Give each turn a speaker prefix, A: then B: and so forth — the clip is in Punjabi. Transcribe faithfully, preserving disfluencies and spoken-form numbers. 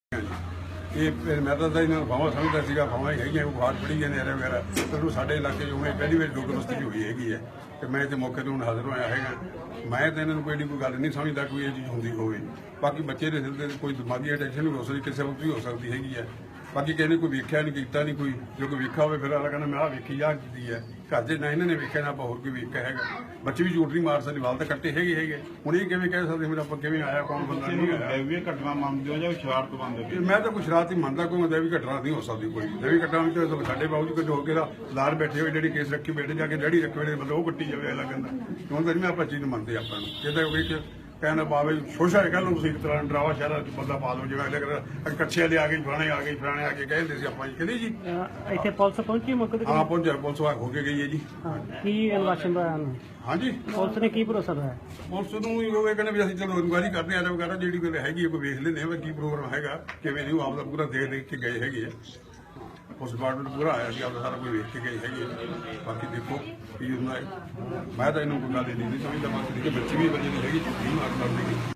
A: ਇਹ ਫਿਰ ਮੈਂ ਤਾਂ ਇਹਨਾਂ ਨੂੰ ਭਾਵਾਂ ਸਮਝਦਾ ਸੀਗਾ ਭਾਵਾਂ ਹੀ ਹੈਗੀਆਂ ਬਾਹਰ ਪੜੀ ਜਾਂਦੇ ਨੇ ਵਗੈਰਾ ਤੈਨੂੰ ਸਾਡੇ ਇਲਾਕੇ 'ਚ ਉਵੇਂ ਪਹਿਲੀ ਵਾਰ ਡੋਗਰਸਤੀ ਹੋਈ ਹੈਗੀ ਹੈ ਤੇ ਮੈਂ ਇੱਥੇ ਮੌਕੇ ਤੇ ਹੁਣ ਹਾਜ਼ਰ ਹੋਇਆ ਹੈਗਾ। ਮੈਂ ਤਾਂ ਇਹਨਾਂ ਨੂੰ ਕੋਈ ਏਡੀ ਕੋਈ ਗੱਲ ਨਹੀਂ ਸਮਝਦਾ ਕੋਈ ਇਹ ਚੀਜ਼ ਹੁੰਦੀ ਹੋਵੇ। ਬਾਕੀ ਬੱਚੇ ਦੇ ਸਿਰ ਤੇ ਕੋਈ ਦਿਮਾਗੀ ਅਟੈਂਸ਼ਨ ਵੀ ਹੋ ਸਕਦੀ, ਕਿਸੇ ਵਕਤ ਵੀ ਹੋ ਸਕਦੀ ਹੈਗੀ ਹੈ। ਬਾਕੀ ਕਿਸੇ ਨੇ ਕੋਈ ਵੇਖਿਆ ਨਹੀਂ ਕੀਤਾ ਨਹੀਂ, ਕੋਈ ਜੋ ਕੋਈ ਵੇਖਿਆ ਹੋਵੇ ਫਿਰ ਅਗਲਾ ਕਹਿੰਦਾ ਮੈਂ ਆਹ ਵੇਖੀ ਆ ਕੀਤੀ ਹੈ। ਘਰ ਦੇ ਨਾ ਇਹਨਾਂ ਨੇ ਵੇਖਿਆ ਨਾ ਆਪਾਂ ਹੋਰ ਕੋਈ ਵੇਖਿਆ ਹੈਗਾ। ਬੱਚੇ ਵੀ ਝੂਠ ਨਹੀਂ ਮਾਰ ਸਕਦੇ, ਵਾਲ ਤਾਂ ਕੱਟੇ ਹੈਗੇ ਹੈਗੇ। ਹੁਣ ਇਹ ਕਿਵੇਂ ਕਹਿ ਸਕਦੇ ਮੇਰਾ ਆਪਾਂ ਕਿਵੇਂ ਆਇਆ ਕੌਣ ਬੰਦਾ ਨਹੀਂ ਆਇਆ।
B: ਵੀ ਘਟਨਾ ਮੰਨਦੇ ਹੋ ਜਾਂ ਸ਼ਰਾਰਤ ਮੰਨਦੇ ਹੋ?
A: ਮੈਂ ਤਾਂ ਕੋਈ ਸ਼ਰਾਰਤ ਹੀ ਮੰਨਦਾ, ਕੋਈ ਮੈਂ ਵੀ ਘਟਨਾ ਨਹੀਂ ਹੋ ਸਕਦੀ ਕੋਈ ਵੀ ਘਟਨਾ ਵਿੱਚ ਸਾਡੇ ਬਾਬੂ ਜੀ ਕੋਈ ਹੋ ਕੇ ਦਾ ਲਾਰ ਬੈਠੇ ਹੋਏ ਜਿਹੜੀ ਕੇਸ ਰੱਖੀ ਬੈਠੇ ਜਾ ਕੇ ਡੈਡੀ ਰੱਖੇ ਹੋਏ ਮਤਲਬ ਉਹ ਕੱਟੀ ਜਾਵੇ ਅਗਲਾ ਕਹਿੰਦਾ ਕਿਉਂ ਤਾਂ ਮੈਂ ਆਪਾਂ ਚੀਜ਼ ਮੰਨਦੇ ਆਪਾਂ ਨੂੰ ਇਹਦਾ ਕੋਈ ਕਹਿੰਦਾ ਬਾਬੇ ਸ਼ੋਸ਼ਾ ਹੈ, ਕਹਿ ਲਓ ਤੁਸੀਂ ਇੱਕ ਤਰ੍ਹਾਂ ਡਰਾਵਾ ਸ਼ਹਿਰਾ ਚ ਬੰਦਾ ਪਾ ਲਓ ਜਿਵੇਂ ਅਗਲੇ ਕੱਛੇ ਵਾਲੇ ਆ ਗਏ ਫਲਾਣੇ ਆ ਗਏ ਫਲਾਣੇ ਆ ਕੇ ਕਹਿੰਦੇ ਸੀ ਆਪਾਂ ਜੀ ਕਹਿੰਦੇ ਜੀ
C: ਇੱਥੇ ਪੁਲਿਸ ਪਹੁੰਚੀ ਮੌਕੇ ਤੇ?
A: ਹਾਂ ਪਹੁੰਚਿਆ, ਪੁਲਿਸ ਆ ਹੋ ਕੇ ਗਈ ਹੈ ਜੀ।
C: ਕੀ ਇਨਵੈਸਟੀਗੇਸ਼ਨ ਦਾ ਹੈ?
A: ਹਾਂਜੀ
C: ਪੁਲਿਸ ਨੇ ਕੀ ਭਰੋਸਾ ਦਵਾਇਆ?
A: ਪੁਲਿਸ ਨੂੰ ਇਹ ਕਹਿੰਦੇ ਵੀ ਅਸੀਂ ਚਲੋ ਇਨਕੁਆਇਰੀ ਕਰਦੇ ਆ ਵਗੈਰਾ ਜਿਹੜੀ ਕੋਈ ਹੈਗੀ ਹੈ ਕੋਈ ਵੇਖ ਲੈਂਦੇ ਹਾਂ ਕੀ ਪ੍ਰੋਗਰਾਮ ਹੈਗਾ ਕਿਵੇਂ ਨਹੀਂ। ਉਹ ਆਪਦਾ ਪੂਰਾ ਦੇਖ ਦੇਖ ਕੇ ਗਏ ਹੈਗੇ ਆ। ਉਸ ਡਿਪਾਰਟਮੈਂਟ ਪੂਰਾ ਆਇਆ ਸੀ ਆਪਦਾ ਸਾਰਾ ਕੋਈ ਵੇਖ ਕੇ ਗਏ ਹੈਗੇ ਆ। ਬਾਕੀ ਦੇਖੋ ਕੀ ਹੁੰਦਾ ਹੈ। ਮੈਂ ਤਾਂ ਇਹਨੂੰ ਕੋਈ ਗੱਲ ਨਹੀਂ ਸਮਝਦਾ, ਬਾਕੀ ਬੱਚੇ ਵੀ ਬੱਚੇ ਦੀ ਹੈਗੀ ਨਹੀਂ ਮਾਰ ਕਰਦੇ।